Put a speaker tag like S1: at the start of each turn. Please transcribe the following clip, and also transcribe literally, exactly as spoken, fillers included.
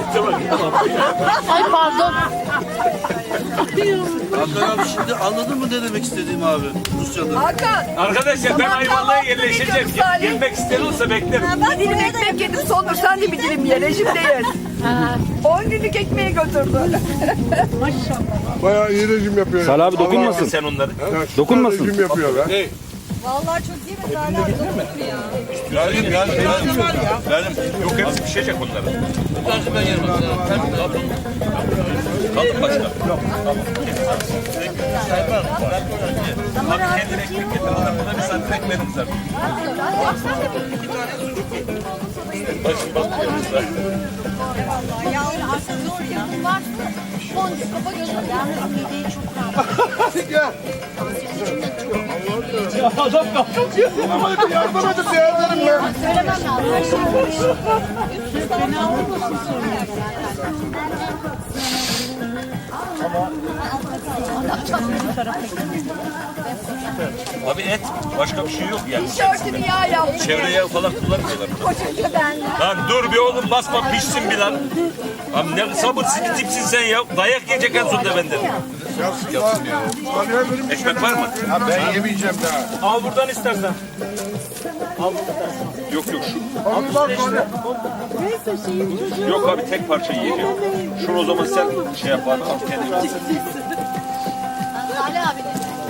S1: Ay pardon.
S2: Hakan abi şimdi anladın mı ne demek istediğimi abi Rusya'da?
S3: Hakan.
S4: Arkadaşlar ben Ayvalık'a yerleşeceğim. Gelmek isteyen olsa beklerim.
S3: Bir dilim ekmek yedim sonra sen de bir dilim ye rejimdeyiz. on günlük ekmeği götürdü.
S5: Bayağı iyi rejim yapıyor.
S6: Salih abi dokunmasın.
S4: Sen onları.
S6: Dokunmasın.
S5: Rejim yapıyor lan.
S3: Vallahi çok iyi mi Salih abi?
S2: Geldim geldim geldim. Geldim.
S4: Yok hepsi pişecek onların.
S2: Bir tanesi ben yerim.
S4: Kalın başka. Yok. Tamam. Abi kendine ekmek getir. Adamına bir santim ekmeğimiz var. Başım bakmıyoruzlar.
S1: Yavrum aslında zor yapım var. Boncuk kafa gözü. Yalnız mideyi çok rahat.
S5: Gel.
S1: Tansiyon içinden çok.
S5: Adam kalkıyor. Ama yardım edin değerlerim lan.
S1: Söylemem lazım. Her şey karışık. Fena olmasın sonra.
S4: Abi et. Başka bir şey yok yani.
S3: Tişörtünü yağ yaptı.
S4: Çevreye falan kullanmıyorlar.
S3: Koşunca ben.
S4: Lan dur bir oğlum basma pişsin bir lan. Abi ne sabırsız bir tipsin sen ya. Dayak yiyecek en sonunda benden.
S5: Yapsın ya. Salih'e benim bir şey.
S4: Ekmek var mı?
S5: Ha, ben yemeyeceğim daha.
S4: Al buradan istersen. Al buradan. Yok yok şu.
S5: Abi bak bana.
S4: Yok abi tek parça yiyeceğim. Şunu o zaman sen şey yap abi. Al kendin al.
S1: Salih abi de.